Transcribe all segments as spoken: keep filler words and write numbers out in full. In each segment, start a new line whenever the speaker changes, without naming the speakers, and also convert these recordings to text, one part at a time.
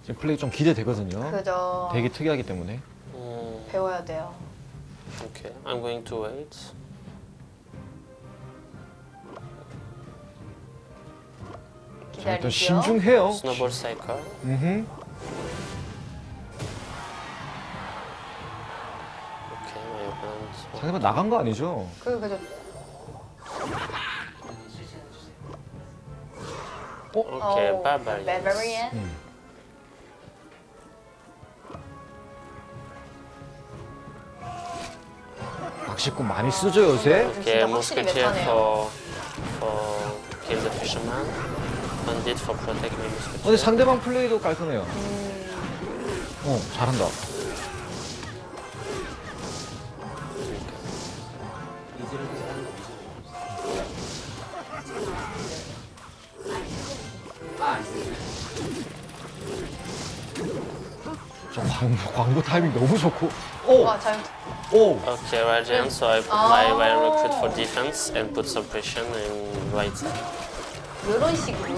플레이 좀 기대되거든요.
그죠.
되게 특이하기 때문에.
Mm,
배워야 돼요.
okay, I'm going to wait.
자, 일단
기다리죠.
신중해요.
Snowball cycle.
음흠.
Okay, my opponent.
상대방 나간 거 아니죠?
그 그죠.
Okay,
어,
barbarian.
Barbarian.
음. 낚시꾼 많이 쓰죠 요새?
Okay,
진짜 확실히
musketeer
메타네요.
for for kill the fisherman. Bandit for protect my musketeer.
근데 상대방 플레이도 깔끔해요. 어, 잘한다. 저 광고, 광고 타이밍 너무 좋고. 오!
와 자연.
오!
Okay, Radiant, so I put my wire recruit for defense and put suppression in right side.
이런 식으로.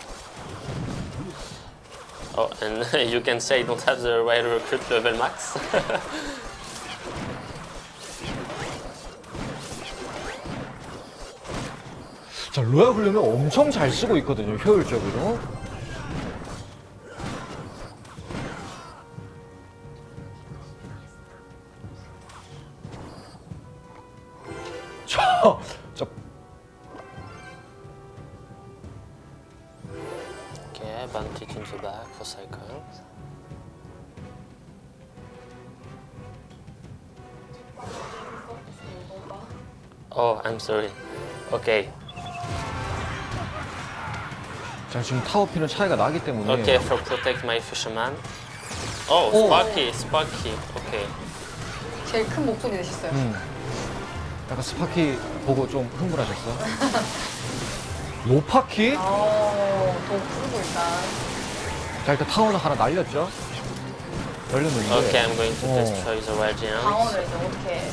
Oh, and you can say I don't have the wire recruit level max.
자, 로얄 훈련을 엄청 잘 쓰고 있거든요, 효율적으로. 저, 저,
Okay, bandit in the back for cycle. Oh, I'm sorry. Okay,
자, 지금 타워피는 차이가 나기 때문에.
okay, for protect my fisherman. Oh,
Oh.
Sparky, Sparky. Okay.
제일 큰 목소리 내셨어요.
음. 약간 스파키 보고 좀 흥분하셨어? 로파키?
어, 더 부르고 일단.
자, 일단 타워는 하나 날렸죠? 열렸는데.
Okay, I'm going to
Oh.
destroy the Radiant.
방어를 이제 어떻게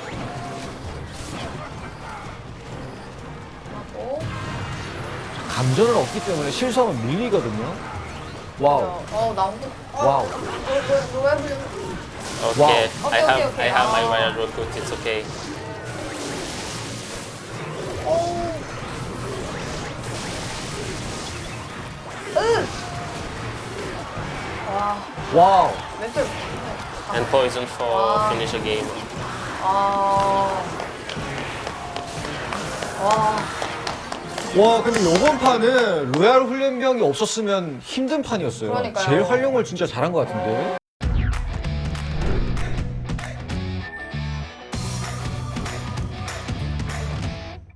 하고.
감전은 없기 때문에 실수하면 밀리거든요. 와우.
어, 나오고.
와우.
로얄 훈련.
Okay,
Wow.
I
Okay,
have
okay,
I have my
okay.
wire recruit. It's okay.
와,
와우.
멘탈.
And poison for
Wow.
finish a game.
아. 와.
와, 근데 요번 판은 로얄 훈련병이 없었으면 힘든 판이었어요.
그러니까요.
제일 활용을 진짜 잘한 것 같은데.